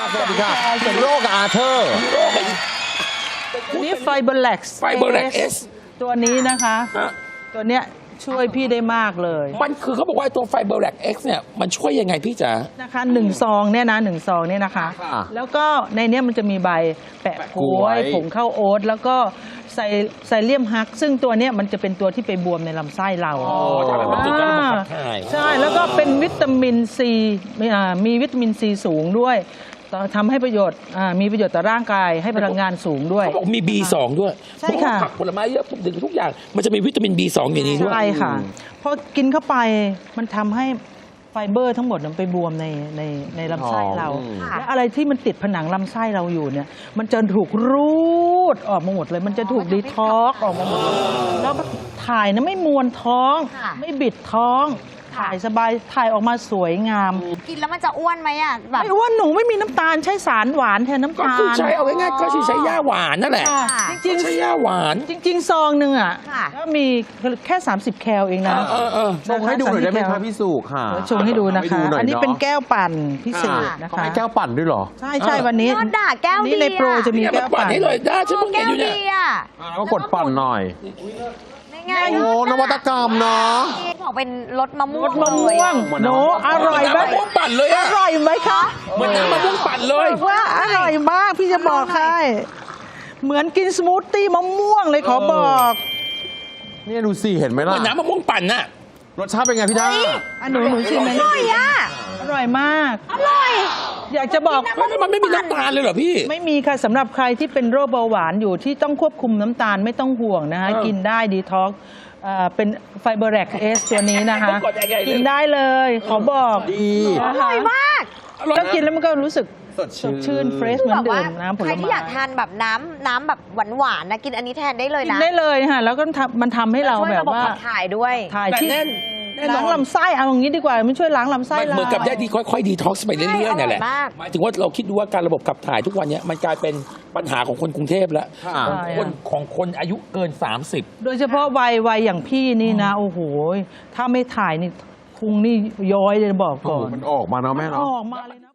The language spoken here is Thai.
สวัสดีค่ะเป็นโรคอาเธอร์นี่ไฟเบอร์แล็กซ์ตัวนี้นะคะตัวเนี้ยช่วยพี่ได้มากเลยมันคือเขาบอกว่าตัวไฟเบอร์แลก X เนี่ยมันช่วยยังไงพี่จ๋านะคะ1 ซองเนี่ยนะ1 ซองเนี่ยนะคะแล้วก็ในเนี้ยมันจะมีใบแปะกล้วยผงข้าวโอ๊ตแล้วก็ไซเลียมฮักซึ่งตัวเนี้ยมันจะเป็นตัวที่ไปบวมในลำไส้เราใช่แล้วก็เป็นวิตามินซีมีวิตามินซีสูงด้วยทำให้ประโยชน์มีประโยชน์ต่อร่างกายให้พลังงานสูงด้วยเขาบอกมี B2 ด้วยใช่ค่ะผักผลไม้เยอะทุกอย่างมันจะมีวิตามิน B2 อย่างนี้ด้วยใช่ค่ะพอกินเข้าไปมันทำให้ไฟเบอร์ทั้งหมดมันไปบวมในลำไส้เราและอะไรที่มันติดผนังลำไส้เราอยู่เนี่ยมันจะถูกรูดออกมาหมดเลยมันจะถูกดีท็อกออกมาหมดแล้วถ่ายนะไม่มวนท้องไม่บิดท้องถ่ายสบายถ่ายออกมาสวยงามกินแล้วมันจะอ้วนไหมอ่ะแบบไม่อ้วนหนูไม่มีน้ำตาลใช้สารหวานแทนน้ำตาลก็คือใช้เอาง่ายๆก็ใช้ย่าหวานนั่นแหละจริงใช้ย่าหวานจริงซองหนึ่งอ่ะก็มีแค่30 แคลเองนะชงให้ดูหน่อยได้ไหมคะพี่สุค่ะชงให้ดูนะคะอันนี้เป็นแก้วปั่นพิเศษนะคะให้แก้วปั่นด้วยเหรอใช่วันนี้แก้วดีในโปรจะมีแก้วปั่นให้เลยได้ฉันเพิ่งเห็นอยู่เนี่ยแล้วก็กดปั่นหน่อยโอ้นวัตกรรมเนาะบอกเป็นรสมะม่วงโนอร่อยไหมมะม่วงปั่นเลยอร่อยไหมคะเหมือนน้ำมะม่วงปั่นเลยว่าอร่อยมากพี่จะบอกให้เหมือนกินสมูทตี้มะม่วงเลยขอบอกนี่ดูสิเห็นไหมล่ะเหมือนน้ำมะม่วงปั่นน่ะรสชาติเป็นไงพี่ด้าหนูชิมไหมอร่อยอร่อยมากอร่อยอยากจะบอกมันไม่มีน้ำตาลเลยเหรอพี่ไม่มีค่ะสำหรับใครที่เป็นโรคเบาหวานอยู่ที่ต้องควบคุมน้ำตาลไม่ต้องห่วงนะคะกินได้ดีท็อกเป็นไฟเบอร์แลกเอสตัวนี้นะคะกินได้เลยขอบอกดีอร่อยมากแล้วกินแล้วมันก็รู้สึกสดชื่นเฟรชเหมือนเดิมน้ำผลไม้ใครที่อยากทานแบบน้ำแบบหวานๆนะกินอันนี้แทนได้เลยนะกินได้เลยค่ะแล้วก็มันทำให้เราแบบว่าถ่ายด้วยถ่ายที่ล้างลำไส้เอาอย่างนี้ดีกว่ามันช่วยล้างลำไส้เราเหมือนกับได้ดีค่อยๆดีท็อกซ์ไปเรื่อยๆเนี่ยแหละหมายถึงว่าเราคิดดูว่าการระบบขับถ่ายทุกวันนี้มันกลายเป็นปัญหาของคนกรุงเทพแล้วของคนอายุเกิน30 โดยเฉพาะวัยอย่างพี่นี่นะโอ้โหถ้าไม่ถ่ายนี่พุงนี่ย้อยเลยบอกก่อนมันออกมาเนาะแม่เนาะออกมาเลยนะ